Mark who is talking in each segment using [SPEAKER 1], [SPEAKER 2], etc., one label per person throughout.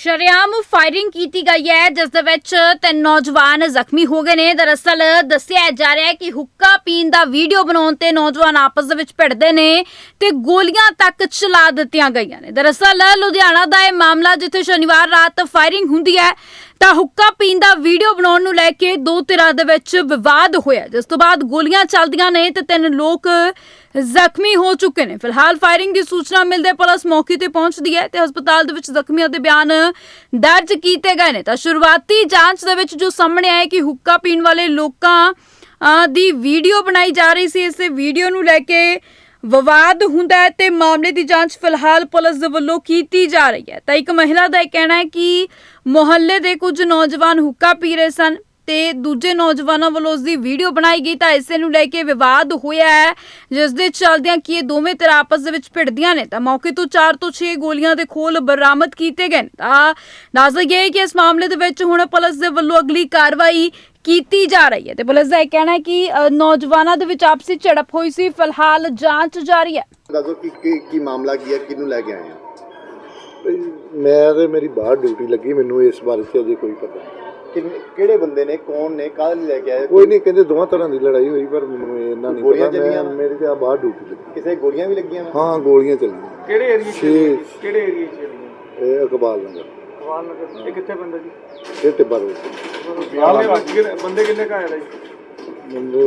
[SPEAKER 1] ਸ਼ਰੇਆਮ ਫਾਇਰਿੰਗ ਕੀਤੀ ਗਈ ਹੈ ਜਿਸ ਦੇ ਵਿੱਚ 3 ਨੌਜਵਾਨ ਜ਼ਖਮੀ ਹੋ ਗਏ ਨੇ। ਦਰਅਸਲ ਦੱਸਿਆ ਜਾ ਰਿਹਾ ਹੈ ਕਿ ਹੁੱਕਾ ਪੀਣ ਦਾ ਵੀਡੀਓ ਬਣਾਉਣ ਤੇ ਨੌਜਵਾਨ ਆਪਸ ਦੇ ਵਿੱਚ ਭਿੜਦੇ ਨੇ ਤੇ ਗੋਲੀਆਂ ਤੱਕ ਚਲਾ ਦਿੱਤੀਆਂ ਗਈਆਂ ਨੇ। ਦਰਅਸਲ ਲੁਧਿਆਣਾ ਦਾ ਇਹ ਮਾਮਲਾ ਜਿੱਥੇ ਸ਼ਨੀਵਾਰ ਰਾਤ ਫਾਇਰਿੰਗ ਹੁੰਦੀ ਹੈ ਤਾਂ ਹੁੱਕਾ ਪੀਣ ਦਾ ਵੀਡੀਓ ਬਣਾਉਣ ਨੂੰ ਲੈ ਕੇ ਦੋ ਧਿਰਾਂ ਦੇ ਵਿੱਚ ਵਿਵਾਦ ਹੋਇਆ, ਜਿਸ ਤੋਂ ਬਾਅਦ ਗੋਲੀਆਂ ਚੱਲਦੀਆਂ ਨੇ ਤੇ 3 ਲੋਕ ਜ਼ਖਮੀ ਹੋ ਚੁੱਕੇ ਨੇ। ਫਿਲਹਾਲ ਫਾਇਰਿੰਗ ਦੀ ਸੂਚਨਾ ਮਿਲਦੇ ਪੁਲਿਸ ਮੌਕੇ ਤੇ ਪਹੁੰਚਦੀ ਹੈ ਤੇ ਹਸਪਤਾਲ ਦੇ ਵਿੱਚ ਜ਼ਖਮੀਆਂ ਦੇ ਬਿਆਨ ਦਰਜ ਕੀਤੇ ਗਏ ਨੇ। ਤਾਂ ਸ਼ੁਰੂਆਤੀ ਜਾਂਚ ਦੇ ਵਿੱਚ ਜੋ ਸਾਹਮਣੇ ਆਇਆ ਕਿ ਹੁੱਕਾ ਪੀਣ ਵਾਲੇ ਲੋਕਾਂ ਦੀ ਵੀਡੀਓ ਬਣਾਈ ਜਾ ਰਹੀ ਸੀ। ਇਸੇ ਵੀਡੀਓ ਨੂੰ ਲੈ ਕੇ ਵਿਵਾਦ ਹੁੰਦਾ ਹੈ ਤੇ ਮਾਮਲੇ ਦੀ ਜਾਂਚ ਫਿਲਹਾਲ ਪੁਲਿਸ ਦੇ ਵੱਲੋਂ ਕੀਤੀ ਜਾ ਰਹੀ ਹੈ। ਤਾਂ ਇੱਕ ਮਹਿਲਾ ਦਾ ਇਹ ਕਹਿਣਾ ਹੈ ਕਿ ਮੁਹੱਲੇ ਦੇ ਕੁਝ ਨੌਜਵਾਨ ਹੁੱਕਾ ਪੀ ਰਹੇ ਸਨ ਤੇ ਦੂਜੇ ਨੌਜਵਾਨਾਂ ਵੱਲੋਂ ਉਸ ਦੀ ਵੀਡੀਓ ਬਣਾਈ ਗਈ ਤਾਂ ਇਸੇ ਨੂੰ ਲੈ ਕੇ ਵਿਵਾਦ ਹੋਇਆ ਹੈ, ਜਿਸ ਦੇ ਚੱਲਦਿਆਂ ਕਿ ਇਹ ਦੋਵੇਂ ਧਿਰਾਂ ਆਪਸ ਦੇ ਵਿੱਚ ਭਿੜਦੀਆਂ ਨੇ। ਤਾਂ ਮੌਕੇ ਤੋਂ 4 ਤੋਂ 6 ਗੋਲੀਆਂ ਦੇ ਖੋਲ ਬਰਾਮਦ ਕੀਤੇ ਗਏ ਨੇ। ਤਾਂ ਦੱਸ ਦਈਏ ਕਿ ਇਸ ਮਾਮਲੇ ਦੇ ਵਿੱਚ ਹੁਣ ਪੁਲਿਸ ਦੇ ਵੱਲੋਂ ਅਗਲੀ ਕਾਰਵਾਈ ਕੀਤੀ ਜਾ ਰਹੀ ਹੈ ਤੇ ਪੁਲਿਸ ਦਾ ਇਹ ਕਹਿਣਾ ਹੈ ਕਿ ਨੌਜਵਾਨਾਂ ਦੇ ਵਿੱਚ ਆਪਸੀ ਝੜਪ ਹੋਈ ਸੀ। ਫਿਲਹਾਲ ਜਾਂਚ ਜਾਰੀ ਹੈ।
[SPEAKER 2] ਦੱਸੋ ਕੀ ਮਾਮਲਾ ਕੀ ਹੈ, ਕਿਹਨੂੰ ਲੈ ਕੇ ਆਏ ਆ?
[SPEAKER 3] ਮੈਂ ਤੇ ਮੇਰੀ ਬਾਹਰ ਡਿਊਟੀ ਲੱਗੀ, ਮੈਨੂੰ ਇਸ ਬਾਰੇ 'ਚ ਅਜੇ ਕੋਈ ਪਤਾ ਨਹੀਂ।
[SPEAKER 2] ਕਿਹੜੇ ਬੰਦੇ ਨੇ, ਕੌਣ ਨੇ, ਕਾਹਦੇ ਲਈ ਲੈ ਕੇ ਆਏ?
[SPEAKER 3] ਕੋਈ ਨਹੀਂ, ਕਹਿੰਦੇ ਦੋਵਾਂ ਤਰ੍ਹਾਂ ਦੀ ਲੜਾਈ ਹੋਈ ਪਰ ਮੈਨੂੰ ਇਹਨਾਂ ਨਹੀਂ ਪਤਾ। ਮੇਰੇ ਤੇ ਆ ਬਾਹਰ ਡਿਊਟੀ ਲੱਗੀ।
[SPEAKER 2] ਕਿਸੇ ਗੋਲੀਆਂ ਵੀ ਲੱਗੀਆਂ?
[SPEAKER 3] ਹਾਂ, ਗੋਲੀਆਂ ਚੱਲੀਆਂ।
[SPEAKER 4] ਕਿਹੜੇ ਏਰੀਆ 'ਚ? ਕਿਹੜੇ ਏਰੀਆ 'ਚ ਚੱਲੀਆਂ?
[SPEAKER 3] ਇਹ ਇਕਬਾਲ ਨਗਰ।
[SPEAKER 4] ਇਕਬਾਲ ਨਗਰ। ਇਹ ਕਿੱਥੇ ਬੰਦਾ ਜੀ?
[SPEAKER 3] ਇਹ ਟਿੱਬਾ ਰੋਡ।
[SPEAKER 4] ਬੰਦੇ ਕਿੰਨੇ ਕਾ ਆਏ ਜੀ?
[SPEAKER 3] ਬੰਦੇ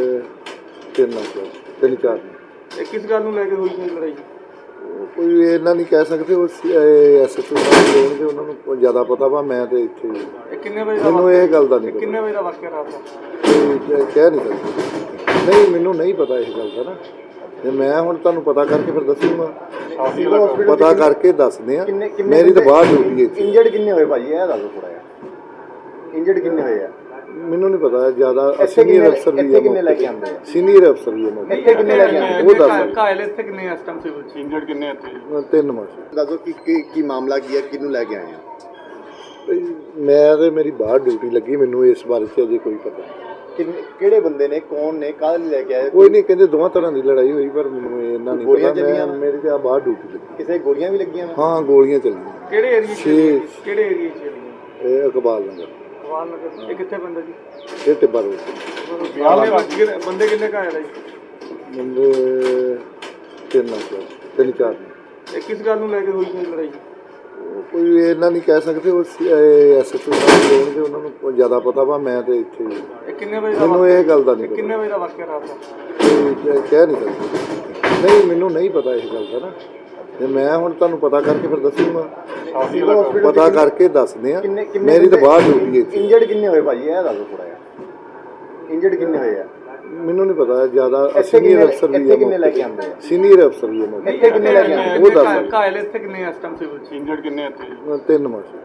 [SPEAKER 3] 3-4।
[SPEAKER 4] ਇਹ ਕਿਸ ਗੱਲ ਨੂੰ ਲੈ ਕੇ ਹੋਈ ਸੀ ਲੜਾਈ?
[SPEAKER 3] ਕੋਈ ਇਹਨਾਂ ਨਹੀਂ ਕਹਿ ਸਕਦੇ, ਉਹ ਐਸਐਚਓ ਸਾਹਿਬ ਹੋਣਗੇ, ਉਹਨਾਂ ਨੂੰ ਜ਼ਿਆਦਾ ਪਤਾ ਵਾ। ਮੈਂ ਤੇ ਇੱਥੇ
[SPEAKER 4] ਇਹ ਕਿੰਨੇ ਵਜੇ ਦਾ?
[SPEAKER 3] ਮੈਨੂੰ ਇਹ ਗੱਲ ਦਾ ਨਹੀਂ ਪਤਾ।
[SPEAKER 4] ਕਿੰਨੇ ਵਜੇ ਦਾ ਵਾਕਿਆ ਰਾਤ ਦਾ?
[SPEAKER 3] ਕਹਿ ਨਹੀਂ ਸਕਦੇ। ਨਹੀਂ, ਮੈਨੂੰ ਨਹੀਂ ਪਤਾ ਇਸ ਗੱਲ ਦਾ ਨਾ। ਤੇ ਮੈਂ ਹੁਣ ਤੁਹਾਨੂੰ ਪਤਾ ਕਰਕੇ ਫਿਰ ਦੱਸੂਗਾ। ਪਤਾ ਕਰਕੇ ਦੱਸਦੇ ਆ। ਮੇਰੀ ਤਾਂ ਬਾਹਰ ਡਿਊਟੀ ਹੈ।
[SPEAKER 2] ਇੰਜਰਡ ਕਿੰਨੇ ਹੋਏ ਭਾਜੀ, ਇਹ ਦੱਸੋ ਥੋੜਾ ਜਿਹਾ। ਇੰਜਰਡ ਕਿੰਨੇ ਹੋਏ ਆ?
[SPEAKER 3] ਮੈਨੂੰ ਨਹੀਂ ਪਤਾ ਜ਼ਿਆਦਾ। ਸੀਨੀਅਰ ਅਫਸਰ ਵੀ ਹੈ।
[SPEAKER 2] ਕਿੰਨੇ ਲੈ ਕੇ ਆਉਂਦੇ ਆ?
[SPEAKER 3] ਸੀਨੀਅਰ ਅਫਸਰ ਵੀ ਹੈ।
[SPEAKER 2] ਇੱਥੇ ਕਿੰਨੇ ਲੈ ਕੇ ਆਉਂਦੇ?
[SPEAKER 3] ਉਹ ਦੱਸ।
[SPEAKER 4] ਕਾਇਲ ਇੱਥੇ ਕਿੰਨੇ ਇਸ ਟਾਈਮ ਸਿਵਲ ਚ? ਇੰਜਰਡ ਕਿੰਨੇ ਇੱਥੇ?
[SPEAKER 3] 3 ਮਾਸ।
[SPEAKER 2] ਦੱਸੋ ਕੀ ਮਾਮਲਾ ਕੀ ਹੈ, ਕਿਹਨੂੰ ਲੈ ਕੇ ਆਏ ਆ?
[SPEAKER 3] ਮੈਂ ਤੇ ਮੇਰੀ ਬਾਹਰ ਡਿਊਟੀ ਲੱਗੀ, ਮੈਨੂੰ ਇਸ ਬਾਰੇ 'ਚ ਅਜੇ ਕੋਈ ਪਤਾ ਨਹੀਂ।
[SPEAKER 2] ਕਿਹੜੇ ਬੰਦੇ ਨੇ, ਕੌਣ ਨੇ, ਕਾਹਦੇ ਲਈ ਲੈ ਕੇ ਆਏ?
[SPEAKER 3] ਕੋਈ ਨਹੀਂ, ਕਹਿੰਦੇ ਦੋਵਾਂ ਤਰ੍ਹਾਂ ਦੀ ਲੜਾਈ ਹੋਈ ਪਰ ਮੈਨੂੰ ਇਹਨਾਂ ਨਹੀਂ ਪਤਾ। ਮੇਰੇ ਤੇ ਆ ਬਾਹਰ ਡਿਊਟੀ ਲੱਗੀ।
[SPEAKER 2] ਕਿਸੇ ਗੋਲੀਆਂ ਵੀ ਲੱਗੀਆਂ?
[SPEAKER 3] ਹਾਂ, ਗੋਲੀਆਂ ਚੱਲੀਆਂ।
[SPEAKER 4] ਕਿਹੜੇ ਏਰੀਆ 'ਚ? ਕਿਹੜੇ ਏਰੀਆ 'ਚ ਚੱਲੀਆਂ?
[SPEAKER 3] ਇਹ ਇਕਬਾਲ ਨਗਰ।
[SPEAKER 4] ਇਕਬਾਲ ਨਗਰ। ਇਹ ਕਿੱਥੇ ਬੰਦਾ ਜੀ?
[SPEAKER 3] ਇਹ ਟਿੱਬਾ ਰੋਡ।
[SPEAKER 4] ਬੰਦੇ ਕਿੰਨੇ ਕਾ ਆਏ ਜੀ?
[SPEAKER 3] ਬੰਦੇ 3-4। ਇਹ
[SPEAKER 4] ਕਿਸ ਗੱਲ ਨੂੰ ਲੈ ਕੇ ਹੋਈ ਸੀ ਲੜਾਈ?
[SPEAKER 3] ਕੋਈ ਇਹਨਾਂ ਨਹੀਂ ਕਹਿ ਸਕਦੇ, ਉਹ ਐਸਐਚਓ ਸਾਹਿਬ ਹੋਣਗੇ, ਉਹਨਾਂ ਨੂੰ ਜ਼ਿਆਦਾ ਪਤਾ ਵਾ। ਮੈਂ ਤੇ ਇੱਥੇ
[SPEAKER 4] ਇਹ ਕਿੰਨੇ ਵਜੇ ਦਾ?
[SPEAKER 3] ਮੈਨੂੰ ਇਹ ਗੱਲ ਦਾ ਨਹੀਂ ਪਤਾ।
[SPEAKER 4] ਕਿੰਨੇ ਵਜੇ ਦਾ ਵਾਕਿਆ ਰਾਤ ਦਾ?
[SPEAKER 3] ਕਹਿ ਨਹੀਂ ਸਕਦੇ। ਨਹੀਂ, ਮੈਨੂੰ ਨਹੀਂ ਪਤਾ ਇਸ ਗੱਲ ਦਾ ਨਾ। ਤੇ ਮੈਂ ਹੁਣ ਤੁਹਾਨੂੰ ਪਤਾ ਕਰਕੇ ਫਿਰ ਦੱਸੂਗਾ। ਪਤਾ ਕਰਕੇ ਦੱਸਦੇ ਆ। ਮੇਰੀ ਤਾਂ ਬਾਹਰ ਡਿਊਟੀ ਹੈ।
[SPEAKER 2] ਇੰਜਰਡ ਕਿੰਨੇ ਹੋਏ ਭਾਜੀ, ਇਹ ਦੱਸੋ ਥੋੜਾ ਜਿਹਾ। ਇੰਜਰਡ ਕਿੰਨੇ ਹੋਏ ਆ?
[SPEAKER 3] ਮੈਨੂੰ ਨਹੀਂ ਪਤਾ ਜ਼ਿਆਦਾ। ਸੀਨੀਅਰ ਅਫਸਰ ਵੀ ਹੈ।
[SPEAKER 2] ਕਿੰਨੇ ਲੈ ਕੇ ਆਉਂਦੇ ਆ?
[SPEAKER 3] ਸੀਨੀਅਰ ਅਫਸਰ ਵੀ ਹੈ।
[SPEAKER 2] ਇੱਥੇ ਕਿੰਨੇ ਲੈ ਕੇ ਆਉਂਦੇ?
[SPEAKER 3] ਉਹ ਦੱਸ।
[SPEAKER 4] ਕਾਇਲ ਇੱਥੇ ਕਿੰਨੇ ਇਸ ਟਾਈਮ ਸਿਵਲ ਚ? ਇੰਜਰਡ ਕਿੰਨੇ ਇੱਥੇ?
[SPEAKER 3] 3 ਮਾਸ।